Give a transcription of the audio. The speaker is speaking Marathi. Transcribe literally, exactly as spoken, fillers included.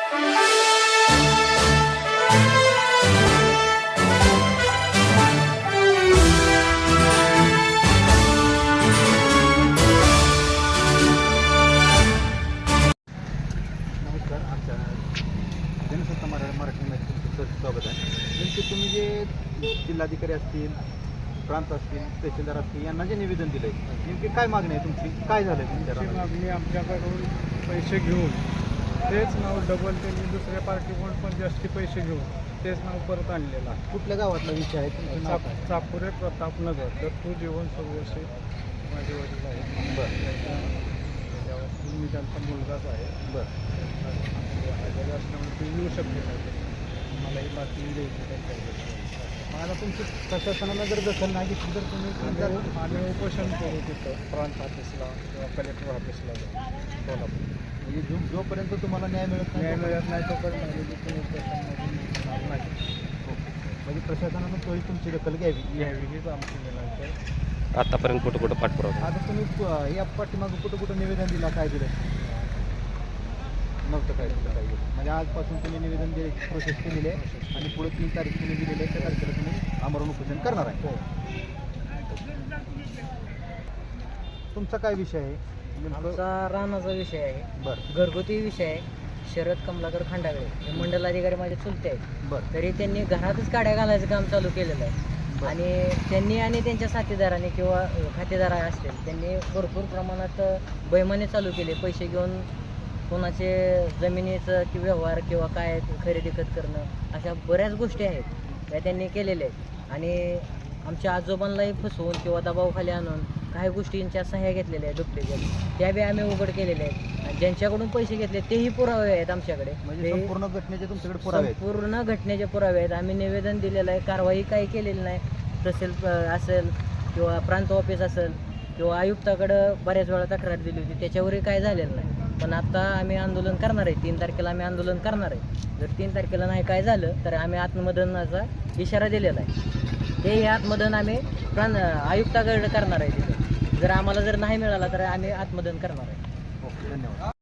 नमस्कार, आमच्या जनसत्ता मरा मराठीमध्ये तुमचं सर स्वागत आहे. नेमके तुम्ही जे जिल्हाधिकारी असतील, प्रांत असतील, तहसीलदार असतील यांना जे निवेदन दिलं आहे, नेमकी काय मागणी आहे तुमची? काय झालं आहे आमची तुमच्या? मागणी आमच्याकडून पैसे घेऊन तेच नाव डबल त्यांनी दुसऱ्या पार्टीकडून पण जास्ती पैसे घेऊन तेच नाव परत आणलेलं आहे. कुठल्या गावातला विषय आहे तुमचं नाव चाप काय? चापुरे प्रतापनगर तर तू जीवन सर्वस्वी माझे वडील आहे. बरं त्याच्यावर मी त्यांचा मुलगाच आहे. बरं आजारी असल्यामुळे ते येऊ शकले नाही. मला ही बातमी द्यायची त्यांच्याकडे. मग आता तुमची प्रशासनाला जर दखल नाही घेतली तर तुम्ही आम्ही आम्ही उपोषण करू तिथं प्रांत ऑफिसला किंवा कलेक्टर ऑफिसला सोलापूर. म्हणजे जो जोपर्यंत तुम्हाला न्याय मिळत न्याय नाही मिळत नाही तोपर्यंत आम्ही तिथून उपोषणमधून निघणार नाही. म्हणजे प्रशासनानं तोही तुमची दखल घ्यावी. यावी हीच आमची विनंती आहे. आतापर्यंत कुठं कुठं पाठपुरावा आता तुम्ही प- या पाठीमागं कुठं कुठं निवेदन दिला, काय दिलं नव्हतं? काय कुठं काय दिलं? म्हणजे आजपासून तुम्ही निवेदन दे प्रोसेस केलेली आहे आणि पुढे तीन तारीख तुम्ही दिलेली आहे, त्या तारखेला तुम्ही आमरण उपोषण करणार आहे. तुमचा काय विषय आहे? नेमकं- आमचा रानाचा विषय आहे, बरं घरगुती विषय आहे. शरद कमलाकर खांडागळे हे मंडलाधिकारी माझे चुलते आहेत. बरं तरी त्यांनी घरातच काड्या घालायचं काम चालू केलेलं आहे. बरं. आणि त्यांनी आणि त्यांच्या साथीदारांनी किंवा खातेदार असतील त्यांनी भरपूर प्रमाणात बैमाने चालू केले. पैसे घेऊन कोणाचे जमिनीचं कि व्यवहार किंवा काय खरेदी खत करणं अशा बऱ्याच गोष्टी आहेत त्या त्यांनी केलेल्या आहेत. आणि आमच्या आजोबांनाही फसवून किंवा दबावाखाली आणून काही गोष्टींच्या सह्या घेतलेल्या आहेत डुप्लिकेट, त्या बी आम्ही उघड केलेल्या आहेत. आणि ज्यांच्याकडून पैसे घेतले तेही पुरावे आहेत आमच्याकडे. म्हणजे ते संपूर्ण घटनेचे तुमच्याकडे पुरावे आहेत. संपूर्ण घटनेचे पुरावे आहेत. आम्ही निवेदन दिलेलं आहे, कारवाई काही केलेली नाही. तहसील अ, असेल किंवा प्रांत ऑफिस असेल किंवा आयुक्ताकडं बऱ्याच वेळा तक्रार दिली होती, त्याच्यावरही काय झालेलं नाही. पण आता आम्ही आंदोलन करणार आहे. तीन तारखेला आम्ही आंदोलन करणार आहे. जर तीन तारखेला नाही काय झालं तर आम्ही आत्मदहनाचा इशारा दिलेला आहे. तेही आत्मदहन आम्ही प्रांत आयुक्ताकडे करणार आहे. तिथे जर आम्हाला जर नाही मिळाला तर आम्ही आत्मदहन करणार आहे. ओके, धन्यवाद.